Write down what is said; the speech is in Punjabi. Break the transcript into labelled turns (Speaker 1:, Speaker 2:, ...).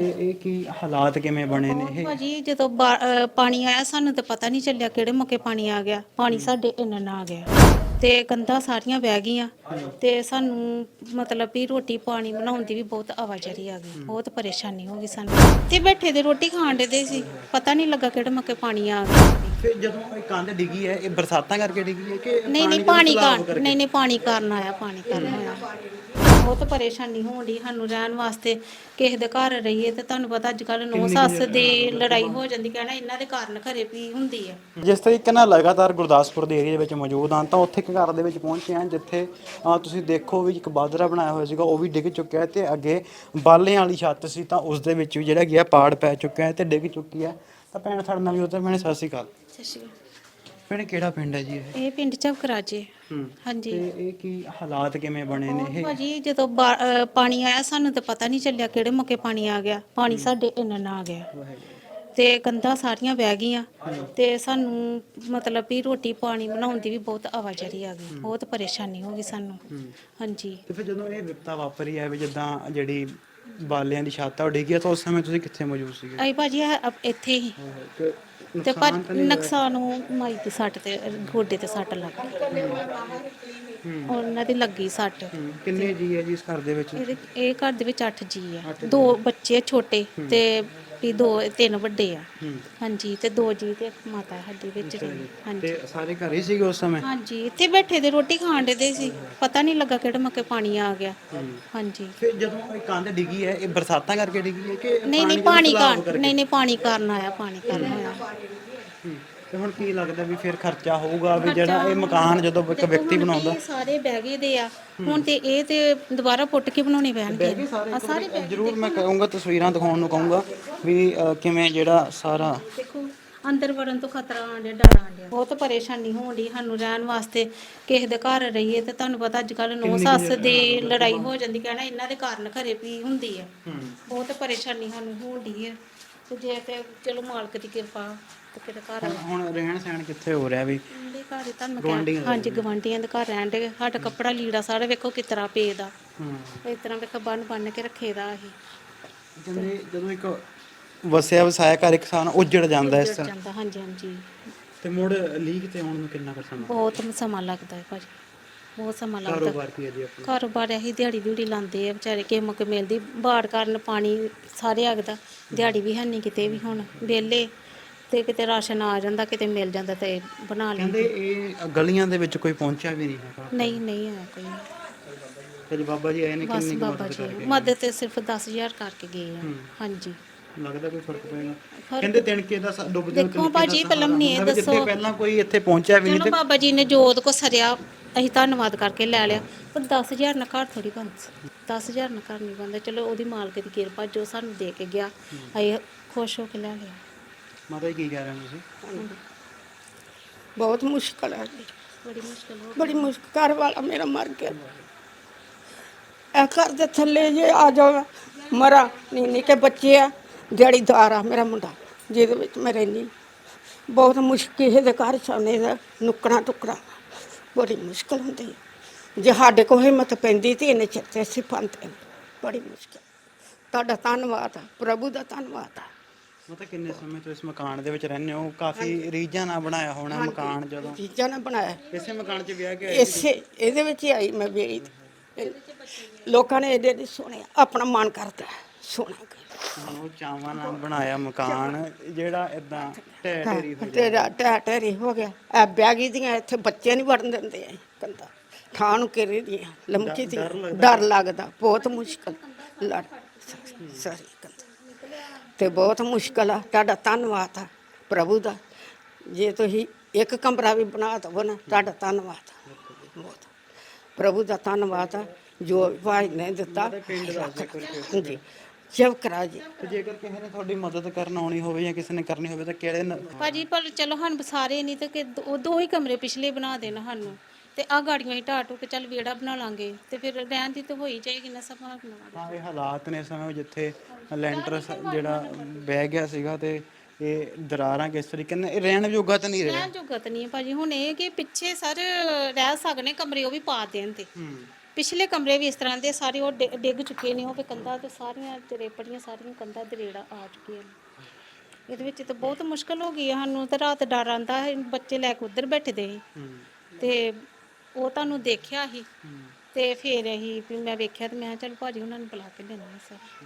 Speaker 1: ਇਹ ਕੀ ਹਾਲਾਤ ਕਿਵੇਂ ਬਣੇ ਨੇ ਇਹ?
Speaker 2: ਭਾਜੀ ਜਦੋਂ ਪਾਣੀ ਆਇਆ ਸਾਨੂੰ ਤਾਂ ਪਤਾ ਨਹੀਂ ਚੱਲਿਆ ਕਿਹੜੇ ਮੌਕੇ ਪਾਣੀ ਆ ਗਿਆ। ਪਾਣੀ ਸਾਡੇ ਇੰਨਾ ਨਾ ਆ ਗਿਆ ਤੇ ਕੰਧਾਂ ਸਾਰੀਆਂ ਵਹਿ ਗਈਆਂ ਤੇ ਸਾਨੂੰ ਮਤਲਬ ਵੀ ਰੋਟੀ ਪਾਣੀ ਬਣਾਉਣ ਦੀ ਵੀ ਬਹੁਤ ਆਵਾਜਾਈ ਆ ਗਈ। ਬਹੁਤ ਪਰੇਸ਼ਾਨੀ ਹੋ ਗਈ ਸਾਨੂੰ ਤੇ ਬੈਠੇ ਦੇ ਰੋਟੀ ਖਾਣ ਦੇ ਸੀ, ਪਤਾ ਨਹੀਂ ਲੱਗਾ ਕਿਹੜੇ ਮੌਕੇ ਪਾਣੀ ਆ ਗਿਆ।
Speaker 1: ਫਿਰ ਜਦੋਂ ਇਹ ਕੰਧ ਡਿੱਗੀ ਹੈ ਇਹ ਬਰਸਾਤਾਂ ਕਰਕੇ ਡਿੱਗੀ ਹੈ ਕਿ
Speaker 2: ਨਹੀਂ ਪਾਣੀ ਕਾਰਨ ਨਹੀਂ ਪਾਣੀ ਕਾਰਨ ਆਇਆ। ਪਾਣੀ ਕਾਰਨ ਆਇਆ। ਬਹੁਤ ਪਰੇਸ਼ਾਨੀ ਹੋਣ ਦੀ ਸਾਨੂੰ ਰਹਿਣ ਵਾਸਤੇ। ਕਿਸੇ ਦੇ ਘਰ ਰਹੀਏ ਤੇ ਤੁਹਾਨੂੰ ਪਤਾ ਅੱਜ ਕੱਲ ਨੌ ਸੱਸ ਦੀ ਲੜਾਈ ਹੋ ਜਾਂਦੀ, ਕਹਿਣਾ ਇਹਨਾਂ ਦੇ ਕਾਰਨ ਘਰੇ ਵੀ ਹੁੰਦੀ ਹੈ।
Speaker 1: ਜਿਸ ਤਰੀਕੇ ਨਾਲ ਲਗਾਤਾਰ ਗੁਰਦਾਸਪੁਰ ਦੇ ਏਰੀਆ ਦੇ ਵਿੱਚ ਮੌਜੂਦ ਹਾਂ ਤਾਂ ਉੱਥੇ ਇੱਕ ਘਰ ਦੇ ਵਿੱਚ ਪਹੁੰਚੇ ਹਾਂ ਜਿੱਥੇ ਤੁਸੀਂ ਦੇਖੋ ਵੀ ਇੱਕ ਬਾਦਰਾ ਬਣਾਇਆ ਹੋਇਆ ਸੀਗਾ, ਉਹ ਵੀ ਡਿੱਗ ਚੁੱਕਿਆ ਹੈ ਤੇ ਅੱਗੇ ਬਾਲਿਆਂ ਵਾਲੀ ਛੱਤ ਸੀ ਤਾਂ ਉਸ ਦੇ ਵਿੱਚ ਵੀ ਜਿਹੜਾ ਗਿਆ ਪਾੜ ਪੈ ਚੁੱਕਿਆ ਹੈ ਤੇ ਡਿੱਗ ਚੁੱਕੀ ਹੈ। ਤਾਂ ਭੈਣ ਸਾਡੇ ਨਾਲ ਵੀ ਉੱਧਰ ਭੈਣੇ ਸਤਿ ਸ਼੍ਰੀ ਅਕਾਲ।
Speaker 2: ਸਤਿ ਸ਼੍ਰੀ ਅਕਾਲ।
Speaker 1: ਭੈਣੇ ਕਿਹੜਾ ਪਿੰਡ ਹੈ ਜੀ
Speaker 2: ਇਹ ਪਿੰਡ ਝਬਕਰਾਜੇ। ਹਾਂਜੀ।
Speaker 1: ਤੇ ਇਹ ਕੀ ਹਾਲਾਤ ਕਿਵੇਂ ਬਣੇ ਨੇ ਇਹ?
Speaker 2: ਭਾਜੀ ਜਦੋਂ ਪਾਣੀ ਆਇਆ ਸਾਨੂੰ ਤਾਂ ਪਤਾ ਨਹੀਂ ਚੱਲਿਆ ਕਿਹੜੇ ਮੌਕੇ ਪਾਣੀ ਆ ਗਿਆ। ਪਾਣੀ ਸਾਡੇ ਇੰਨਾ ਨਾ ਆ ਗਿਆ ਤੇ ਕੰਧਾਂ ਸਾਰੀਆਂ ਵਹਿ ਗਈਆਂ ਤੇ ਸਾਨੂੰ ਮਤਲਬ ਵੀ ਰੋਟੀ ਪਾਣੀ ਬਣਾਉਣ ਦੀ ਵੀ ਬਹੁਤ ਆਵਾਜਾਈ ਆ ਗਈ। ਬਹੁਤ ਪਰੇਸ਼ਾਨੀ ਹੋ ਗਈ ਸਾਨੂੰ। ਹਾਂਜੀ।
Speaker 1: ਤੇ ਫਿਰ ਜਦੋਂ ਇਹ ਵਿਪਤਾ ਵਾਪਰੀ ਹੈ ਵੀ ਜਿੱਦਾਂ ਜਿਹੜੀ ਬਾਲਿਆਂ ਦੀ ਛੱਤ ਆ ਉਹ ਡਿੱਗੀ ਆ ਤਾਂ ਉਸ ਸਮੇਂ ਤੁਸੀਂ ਕਿੱਥੇ ਮੌਜੂਦ ਸੀਗੇ?
Speaker 2: ਆਈ ਭਾਜੀ ਇੱਥੇ ਹੀ ਤੇ ਪਰ ਨੁਕਸਾਨ ਮਾਈ ਦੀ ਸੱਟ ਤੇ ਗੋਡੇ ਤੇ ਸੱਟ ਲੱਗ ਗਈ। ਉਹਨਾਂ ਦੀ ਲੱਗੀ ਸੱਟ।
Speaker 1: ਕਿੰਨੇ ਜੀ ਹੈ ਜੀ ਇਸ ਘਰ ਦੇ ਵਿੱਚ?
Speaker 2: ਇਹ ਘਰ ਦੇ ਵਿੱਚ 8 ਜੀ ਆ। 2 ਬੱਚੇ ਛੋਟੇ ਤੇ ਵੀ 3 ਵੱਡੇ ਆ। ਹਾਂਜੀ ਤੇ 2 ਜੀ ਤੇ ਇੱਕ ਮਾਤਾ ਸਾਡੀ ਵਿੱਚ ਰਹੀ। ਹਾਂਜੀ
Speaker 1: ਤੇ ਸਾਰੇ ਘਰ ਹੀ ਸੀਗੇ ਉਸ ਸਮੇਂ?
Speaker 2: ਹਾਂਜੀ ਇੱਥੇ ਬੈਠੇ ਦੇ ਰੋਟੀ ਖਾਣ ਦੇ ਸੀ, ਪਤਾ ਨਹੀਂ ਲੱਗਾ ਕਿਹੜੇ ਮੌਕੇ ਪਾਣੀ ਆ ਗਿਆ। ਹਾਂਜੀ।
Speaker 1: ਫਿਰ ਜਦੋਂ ਇਹ ਕੰਧ ਡਿੱਗੀ ਹੈ ਇਹ ਬਰਸਾਤਾਂ ਕਰਕੇ ਡਿੱਗੀ ਹੈ ਕਿ
Speaker 2: ਨਹੀਂ ਪਾਣੀ ਕਾਰਨ ਨਹੀਂ ਪਾਣੀ ਕਾਰਨ ਆਇਆ। ਪਾਣੀ ਕਾਰਨ ਆਇਆ।
Speaker 1: ਤੇ ਹੁਣ ਕੀ ਲੱਗਦਾ ਵੀ ਫਿਰ ਖਰਚਾ ਹੋਊਗਾ ਵੀ ਜਿਹੜਾ ਇਹ ਮਕਾਨ ਜਦੋਂ ਇੱਕ ਵਿਅਕਤੀ ਬਣਾਉਂਦਾ?
Speaker 2: ਸਾਰੇ ਬਹਿ ਗਏ ਦੇ ਆ ਹੁਣ ਤੇ ਇਹ ਤੇ ਦੁਬਾਰਾ ਪੁੱਟ ਕੇ ਬਣਾਉਣੇ ਪੈਣਗੇ। ਸਾਰੇ
Speaker 1: ਜ਼ਰੂਰ ਮੈਂ ਕਹੂੰਗਾ ਤਸਵੀਰਾਂ ਦਿਖਾਉਣ ਨੂੰ ਕਹੂੰਗਾ ਵੀ ਕਿਵੇਂ ਜਿਹੜਾ ਸਾਰਾ
Speaker 2: ਦੇਖੋ ਅੰਦਰ ਵੜਨ ਤੋਂ ਖਤਰਾ ਆਂਡਿਆ, ਡਰ ਆਂਡਿਆ। ਬਹੁਤ ਪਰੇਸ਼ਾਨੀ ਹੋਣ ਦੀ ਸਾਨੂੰ ਰਹਿਣ ਵਾਸਤੇ। ਕਿਸੇ ਦੇ ਘਰ ਰਹੀਏ ਤੇ ਤੁਹਾਨੂੰ ਪਤਾ ਅੱਜ ਕੱਲ ਨੌ ਸੱਸ ਦੀ ਲੜਾਈ ਹੋ ਜਾਂਦੀ, ਕਹਿਣਾ ਇਹਨਾਂ ਦੇ ਕਾਰਨ ਘਰੇ ਵੀ ਹੁੰਦੀ ਹੈ। ਬਹੁਤ ਪਰੇਸ਼ਾਨੀ ਸਾਨੂੰ ਹੋਣ ਦੀ ਹੈ ਤੇ ਜੇ ਤੇ ਚਲੋ ਮਾਲਕ ਦੀ ਕਿਰਪਾ ਤੇ ਕਿਤੇ ਘਰ
Speaker 1: ਹੁਣ ਰਹਿਣ ਸਹਿਣ ਕਿੱਥੇ ਹੋ ਰਿਹਾ ਵੀ?
Speaker 2: ਦੇ ਘਰ ਹੀ ਤੁਹਾਨੂੰ ਹਾਂਜੀ ਗਵਾਂਢੀਆਂ ਦੇ ਘਰ ਰਹਿਣ ਦੇ। ਸਾਡਾ ਕੱਪੜਾ ਲੀੜਾ ਸਾਰਾ ਵੇਖੋ ਕਿਸ ਤਰ੍ਹਾਂ ਪਏ ਦਾ। ਇਸ ਤਰ੍ਹਾਂ ਵੇਖੋ ਬੰਨ ਕੇ ਰੱਖੇ ਦਾ। ਅਸੀਂ
Speaker 1: ਕਹਿੰਦੇ ਜਦੋਂ ਇੱਕ ਵਸਿਆ ਵਸਾਇਆ ਘਰ ਇੱਕ ਸਾਨ ਉੱਜੜ ਜਾਂਦਾ ਇਸ ਤਰ੍ਹਾਂ।
Speaker 2: ਜਾਂਦਾ। ਹਾਂਜੀ ਹਾਂਜੀ।
Speaker 1: ਤੇ ਮੁੜ ਲੀਕ ਤੇ ਆਉਣ ਨੂੰ ਕਿੰਨਾ ਕੁ ਸਮਾਂ?
Speaker 2: ਬਹੁਤ ਸਮਾਂ ਲੱਗਦਾ ਹੈ ਭਾਜੀ। ਬਹੁਤ ਸਮਾਂ ਲੱਗਦਾ।
Speaker 1: ਕਾਰੋਬਾਰ ਕੀ ਹੈ ਜੀ ਆਪਣਾ?
Speaker 2: ਕਾਰੋਬਾਰ ਇਹੀ ਦਿਹਾੜੀ ਲਾਉਂਦੇ ਆ ਵਿਚਾਰੇ। ਕਿਸੇ ਮੌਕੇ ਮਿਲਦੀ ਬਾੜ ਕਾਰਨ ਪਾਣੀ ਸਾਰੇ ਆਗਦਾ। ਦਿਹਾੜੀ ਵੀ ਹੈ ਨਹੀਂ ਕਿਤੇ ਵੀ ਹੁਣ ਵਿਹਲੇ ਤੇ ਕਿਤੇ ਰਾਸ਼ਨ ਆ ਜਾਂਦਾ, ਕਿਤੇ ਮਿਲ ਜਾਂਦਾ ਤੇ ਬਣਾ ਲੈਂਦੇ।
Speaker 1: ਕਹਿੰਦੇ ਇਹ ਗਲੀਆਂ ਦੇ ਵਿੱਚ ਕੋਈ ਪਹੁੰਚਿਆ ਵੀ ਨਹੀਂ ਹੈਗਾ?
Speaker 2: ਨਹੀਂ ਆਇਆ ਕੋਈ।
Speaker 1: ਤੇ ਬਾਬਾ ਜੀ ਆਏ ਨੇ
Speaker 2: ਬਸ
Speaker 1: ਕਿੰਨੀ ਕੁ
Speaker 2: ਬਾਬਾ
Speaker 1: ਮਦਦ
Speaker 2: ਜੀ
Speaker 1: ਕਰਕੇ?
Speaker 2: ਮਦਦ ਤੇ ਸਿਰਫ 10,000 ਕਰਕੇ ਗਏ ਆ। ਹਾਂਜੀ।
Speaker 1: ਲੱਗਦਾ ਕੋਈ ਫਰਕ ਪਏਗਾ? ਕਹਿੰਦੇ ਤਿਣਕੇ ਦਾ ਡੁੱਬਦੇ
Speaker 2: ਦੇਖੋ ਭਾਜੀ ਪਹਿਲਾਂ ਮੈਨੂੰ ਇਹ ਦੱਸੋ,
Speaker 1: ਪਹਿਲਾਂ ਕੋਈ ਇੱਥੇ ਪਹੁੰਚਿਆ ਵੀ ਨਹੀਂ
Speaker 2: ਚਲੋ ਬਾਬਾ ਜੀ ਨੇ ਜੋਤ ਕੋ ਸਰਿਆ ਅਸੀਂ ਧੰਨਵਾਦ ਕਰਕੇ ਲੈ ਲਿਆ, ਪਰ 10,000 ਨਾਲ ਘਰ ਥੋੜੀ ਬਣਦਾ। 10,000 ਨਾਲ ਘਰ ਨਹੀਂ ਬਣਦਾ। ਚਲੋ ਉਹਦੀ ਮਾਲਕ ਦੀ ਕਿਰਪਾ ਜੋ ਸਾਨੂੰ ਦੇ ਕੇ ਗਿਆ ਅਸੀਂ ਖੁਸ਼ ਹੋ ਕੇ ਲੈ ਲਿਆ।
Speaker 1: ਮਾਤਾ ਜੀ ਕੀ ਕਹਿ ਰਹੇ ਹੋ ਤੁਸੀਂ?
Speaker 3: ਬਹੁਤ ਮੁਸ਼ਕਲ ਹੈ ਜੀ,
Speaker 2: ਬੜੀ ਮੁਸ਼ਕਲ ਹੋ
Speaker 3: ਬੜੀ ਮੁਸ਼ਕਲ। ਘਰ ਵਾਲਾ ਮੇਰਾ ਮਰ ਗਿਆ। ਇਹ ਘਰ ਦੇ ਥੱਲੇ ਜੇ ਆ ਜਾਓ ਮਰਾ ਨਹੀਂ ਕਿ ਬੱਚੇ ਆ, ਦਿਹਾੜੀਦਾਰ ਆ ਮੇਰਾ ਮੁੰਡਾ ਜਿਹਦੇ ਵਿੱਚ ਮੈਂ ਰਹਿੰਦੀ। ਬਹੁਤ ਮੁਸ਼ਕਿਲ ਕਿਸੇ ਦੇ ਘਰ ਸਾਨੇ ਦਾ ਨੁੱਕਣਾ ਟੁਕੜਾ ਬੜੀ ਮੁਸ਼ਕਲ ਹੁੰਦੀ ਹੈ। ਜੇ ਸਾਡੇ ਕੋਲ ਹਿੰਮਤ ਪੈਂਦੀ ਤੇ ਇਹਨੇ ਚਿੱਤੇ ਅਸੀਂ ਪਾਉਂਦੇ। ਬੜੀ ਮੁਸ਼ਕਲ। ਤੁਹਾਡਾ ਧੰਨਵਾਦ ਆ, ਪ੍ਰਭੂ ਦਾ ਧੰਨਵਾਦ ਆ।
Speaker 1: ਮਤਲਬ ਕਿੰਨੇ ਸਮੇਂ ਤੋਂ ਇਸ ਮਕਾਨ ਦੇ ਵਿੱਚ ਰਹਿੰਦੇ ਹੋ? ਕਾਫੀ ਰੀਝਾਂ ਨਾਲ ਬਣਾਇਆ ਹੋਣਾ ਮਕਾਨ। ਜਦੋਂ
Speaker 3: ਚੀਜ਼ਾਂ ਨੇ ਬਣਾਇਆ
Speaker 1: ਇਸੇ ਮਕਾਨ 'ਚ ਵਿਆਹ ਕੇ ਆਏ?
Speaker 3: ਇਹਦੇ ਵਿੱਚ ਹੀ ਆਈ ਮੈਂ ਵਿਆਹੀ। ਲੋਕਾਂ ਨੇ ਇਹਦੇ ਸੋਹਣੇ ਆਪਣਾ ਮਨ ਕਰਦਾ ਸੋਹਣਾ
Speaker 1: ਉਹ ਚਾਵਾਂ ਨਾਲ ਬਣਾਇਆ ਮਕਾਨ ਜਿਹੜਾ ਇਦਾਂ ਢਹਿ ਢੇਰੀ ਹੋ
Speaker 3: ਤੇਰਾ ਢਹਿ ਹੋ ਗਿਆ। ਇਹ ਬੈਗੀ ਦੀਆਂ ਇੱਥੇ ਬੱਚੇ ਨਹੀਂ ਵੜਨ ਦਿੰਦੇ ਆ ਕੰਦਾ ਥਾਂ ਨੂੰ ਘੇਰੇ ਦੀਆਂ ਲੰਮਕੀ ਦੀਆਂ। ਡਰ ਲੱਗਦਾ। ਬਹੁਤ ਮੁਸ਼ਕਲ ਲੜ ਸਾਰੀ ਕੰਦਾ ਤੇ ਬਹੁਤ ਮੁਸ਼ਕਲ ਆ। ਤੁਹਾਡਾ ਧੰਨਵਾਦ ਆ ਪ੍ਰਭੂ ਦਾ। ਜੇ ਤੁਸੀਂ ਇੱਕ ਕਮਰਾ ਵੀ ਬਣਾ ਦਵੋ ਨਾ ਤੁਹਾਡਾ ਧੰਨਵਾਦ ਆ। ਬਹੁਤ ਪ੍ਰਭੂ ਦਾ ਧੰਨਵਾਦ ਆ ਜੋ ਭਾਈ ਨੇ ਦਿੱਤਾ। ਹਾਂਜੀ ਚਵਕਰਾ ਜੀ।
Speaker 1: ਜੇਕਰ ਕਿਸੇ ਨੇ ਤੁਹਾਡੀ ਮਦਦ ਕਰਨ ਆਉਣੀ ਹੋਵੇ ਜਾਂ ਕਿਸੇ ਨੇ ਕਰਨੀ ਹੋਵੇ ਤਾਂ ਕਿਹੜੇ?
Speaker 2: ਭਾਜੀ ਪਰ ਚਲੋ ਸਾਨੂੰ ਸਾਰੇ ਨਹੀਂ ਤੇ ਕਿ 2 ਹੀ ਕਮਰੇ ਪਿਛਲੇ ਬਣਾ ਦੇਣ ਸਾਨੂੰ ਤੇ ਆ ਗਾੜੀਆਂ ਹੀ ਢਾਹ ਕੇ ਚੱਲ ਵਿਹੜਾ ਬਣਾ ਲਾਂਗੇ ਤੇ ਫਿਰ ਰਹਿਣ ਦੀ ਤਾਂ ਹੋਈ ਜਾਏਗੀ ਨਾ ਸੰਭਾਵਨਾ।
Speaker 1: ਹਾਂ ਇਹ ਹਾਲਾਤ ਨੇ ਇਸ ਸਮੇਂ ਜਿੱਥੇ ਲੈਂਟਰ ਜਿਹੜਾ ਬਹਿ ਗਿਆ ਸੀਗਾ ਤੇ ਇਹ ਦਰਾਰਾਂ ਕਿਸ ਤਰੀਕੇ ਨਾਲ ਇਹ ਰਹਿਣ ਯੋਗਾ ਤਾਂ ਨਹੀਂ ਰਿਹਾ।
Speaker 2: ਰਹਿਣ ਜੋਗਾ ਤਾਂ ਨਹੀਂ ਹੈ ਭਾਜੀ। ਹੁਣ ਇਹ ਕਿ ਪਿੱਛੇ ਸਰ ਰਹਿ ਸਕਨੇ ਕਮਰੇ ਉਹ ਵੀ ਪਾ ਦੇਣ ਤੇ ਪਿਛਲੇ ਕਮਰੇ ਵੀ ਇਸ ਤਰ੍ਹਾਂ ਦੇ ਸਾਰੇ ਉਹ ਡਿੱਗ ਚੁੱਕੇ ਨੇ, ਉਹ ਵੀ ਕੰਧਾਂ ਤੇ ਸਾਰੀਆਂ ਚਰੇਪੜੀਆਂ, ਸਾਰੀਆਂ ਕੰਧਾਂ ਦਰੇੜਾ ਆ ਚੁੱਕੀਆਂ ਨੇ। ਇਹਦੇ ਵਿੱਚ ਤਾਂ ਬਹੁਤ ਮੁਸ਼ਕਲ ਹੋ ਗਈ ਹੈ ਸਾਨੂੰ, ਤਾਂ ਰਾਤ ਡਰ ਆਉਂਦਾ ਹੈ, ਬੱਚੇ ਲੈ ਕੇ ਉੱਧਰ ਬੈਠਦੇ ਸੀ ਤੇ ਉਹ ਤੁਹਾਨੂੰ ਦੇਖਿਆ ਸੀ ਤੇ ਫਿਰ ਅਸੀਂ ਵੀ ਮੈਂ ਵੇਖਿਆ ਤੇ ਮੈਂ ਕਿਹਾ ਚੱਲ ਭਾਜੀ ਉਹਨਾਂ ਨੂੰ ਬੁਲਾ ਕੇ ਲੈਂਦੇ ਹਾਂ ਸਰ।